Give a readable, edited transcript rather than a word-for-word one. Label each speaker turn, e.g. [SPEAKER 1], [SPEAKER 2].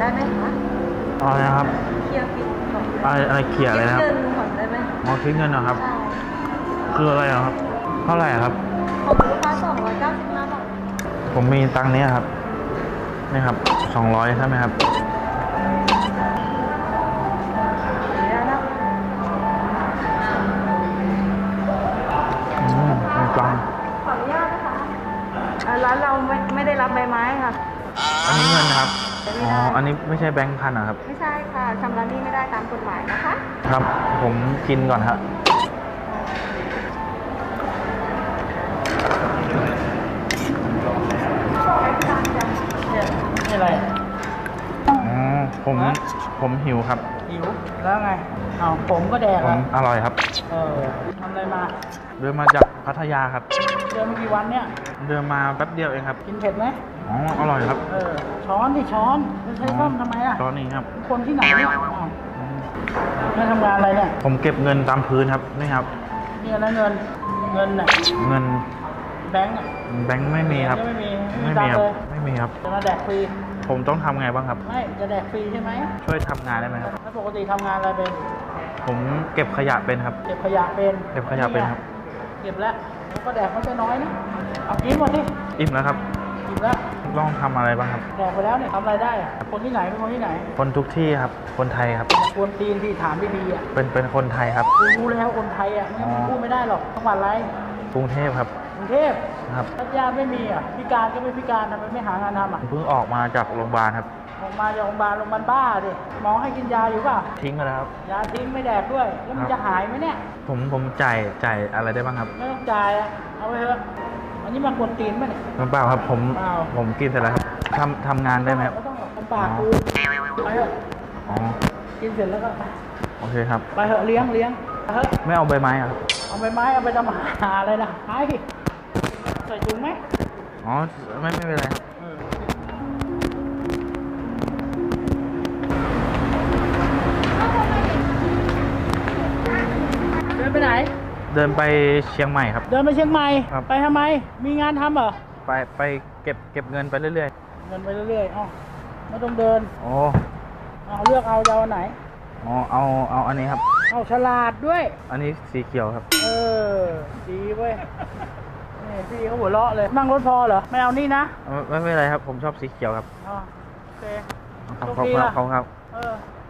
[SPEAKER 1] ได้ไหมคะ
[SPEAKER 2] อะไรนะครับ
[SPEAKER 1] เคลียร์บินก่อน
[SPEAKER 2] อะไรเขียอะไรนะครับ
[SPEAKER 1] เงินก่อนได้ไหม
[SPEAKER 2] อ๋อคิดเงินเหรอครับ
[SPEAKER 1] ใช่
[SPEAKER 2] คืออะไรเหรอครับเท่าไหร่ครับ
[SPEAKER 1] ของลูกค้า295 บาท
[SPEAKER 2] ผมมีตังค์เนี้ยครับนี่ครับ200ใช่ไหมครับมีตังค์
[SPEAKER 1] ขออนุญาตนะคะร้านเราไม่ได้รับใบไม้ค่ะ
[SPEAKER 2] อันนี้เงินนะครับอ๋ออันนี้ไม่ใช่แบงค์พันนะครับ
[SPEAKER 1] ไม่ใช่ค่ะชำระหนี้ไม่ได้ตามกฎหมายนะคะ
[SPEAKER 2] ครับผมกินก่อนครับ
[SPEAKER 3] นี่อะไร
[SPEAKER 2] อ๋อผมหิวครับ
[SPEAKER 3] หิวแล้วไงอ้าวผมก็แดกอ่ะ
[SPEAKER 2] อร่อยครับ
[SPEAKER 3] ทำอะไรมา
[SPEAKER 2] เดินมาจากพัทยาครับ
[SPEAKER 3] เดินมากี่วันเนี่ย
[SPEAKER 2] เดินมาแป๊บเดียวเองครับ
[SPEAKER 3] กินเผ็ดไหม
[SPEAKER 2] อ๋ออร่อยครับ
[SPEAKER 3] ช้อนที่ช้อนไม่ใช้ส้อมทำไมล่ะ
[SPEAKER 2] ช้อนนี้ครับ
[SPEAKER 3] คนที่ไหนเนี่ยไม่ทำงานอะไรเนี่ย
[SPEAKER 2] ผมเก็บเงินตามพื้นครับนี่ครับ
[SPEAKER 3] นี่อะไรเงินน่ะ
[SPEAKER 2] เงิน
[SPEAKER 3] แบงค์
[SPEAKER 2] ไม่มีครับ
[SPEAKER 3] ไม่มี
[SPEAKER 2] ครับไม่มีครับ
[SPEAKER 3] จะมาแดกฟรี
[SPEAKER 2] ผมต้องทำไงบ้างครับ
[SPEAKER 3] ไม่จะแดกฟรีใช่ไหม
[SPEAKER 2] ช่วยทำงานได้ไหมครับ
[SPEAKER 3] แล้วปกติทำงานอะไรเป็น
[SPEAKER 2] ผมเก็บขยะเป็นครับ
[SPEAKER 3] เก็บขยะเป็น
[SPEAKER 2] เก็บขยะเป็นครับ
[SPEAKER 3] เก็บแล้วก็แดกไม่ใช่น้อยนะเอากินหมดดิ
[SPEAKER 2] อิ่มแล้วครับ
[SPEAKER 3] อิ่มแล้ว
[SPEAKER 2] ต้องทำอะไรบ้างครับ
[SPEAKER 3] แดกไปแล้วเนี่ยทำอะไรได้คนที่ไหนเป็นคนที่ไหน
[SPEAKER 2] คนทุกที่ครับคนไทยครับ
[SPEAKER 3] ควรตีนที่ถามดีๆอ่ะ
[SPEAKER 2] เป็นคนไทยครับ
[SPEAKER 3] รู้แล้วคนไทยอ่ะไม่พูดไม่ได้หรอกจังหวัดอะไร
[SPEAKER 2] กรุงเทพครับ
[SPEAKER 3] กรุงเทพ
[SPEAKER 2] ครับ
[SPEAKER 3] พัทยาไม่มีอ่ะพิการก็ไม่พิการทำไมไม่หางานทำอ่ะ
[SPEAKER 2] เพิ่งออกมาจากโรงพยาบาลครับ
[SPEAKER 3] ออกมาจากโรงพยาบาลบ้าดิหมอให้กินยาอยู่ป่ะ
[SPEAKER 2] ทิ้งไปแล้วครับ
[SPEAKER 3] ยาทิ้งไม่แดกด้วยแล้วมันจะหายไหมเนี่ย
[SPEAKER 2] ผมจ่ายอะไรได้บ้างครับ
[SPEAKER 3] ไม่ต้องจ่ายอ่ะเอาไปเถอะอันนี้มันควรตีนไหมเนี่ย
[SPEAKER 2] เปล่าครับผมกินเสร็จแล้วครับทำงานได้ไหมครับ
[SPEAKER 3] ไม่ต้องหรอกทำปากกูไปเถอะกินเสร็จแล้วก็
[SPEAKER 2] โอเคครับ
[SPEAKER 3] ไปเถอะเลี้ยงไปเถอะ
[SPEAKER 2] ไม่เอาใบไม้ครับ
[SPEAKER 3] เอาใบไม้เอาไปทำหาอะไรนะหายใส่ถุงไหม
[SPEAKER 2] อ๋อไม่เป็นไร
[SPEAKER 3] เดินไปไหน
[SPEAKER 2] เดินไปเชียงใหม่ครับ
[SPEAKER 3] เดินไปเชียงใหม่ไปทำไมมีงานทำเหรอ
[SPEAKER 2] ไปเก็บเงินไปเรื่อย
[SPEAKER 3] ๆเงินไปเรื่อยๆอ๋อไม่ต้องเดิน
[SPEAKER 2] โอ้
[SPEAKER 3] เอาเลือกเอาจะเอาไหน
[SPEAKER 2] อ๋อเอาอันนี้ครับ
[SPEAKER 3] เอาฉลาดด้วย
[SPEAKER 2] อันนี้สีเขียวครับ
[SPEAKER 3] ดีเว้ยนี่พี่เขาหัวเราะเลยนั่งรถพอเหรอไม่เอานี่นะ
[SPEAKER 2] ไม่เป็นไรครับผมชอบสีเขียวครับ
[SPEAKER 3] โอเค
[SPEAKER 2] ขอบคุณครับ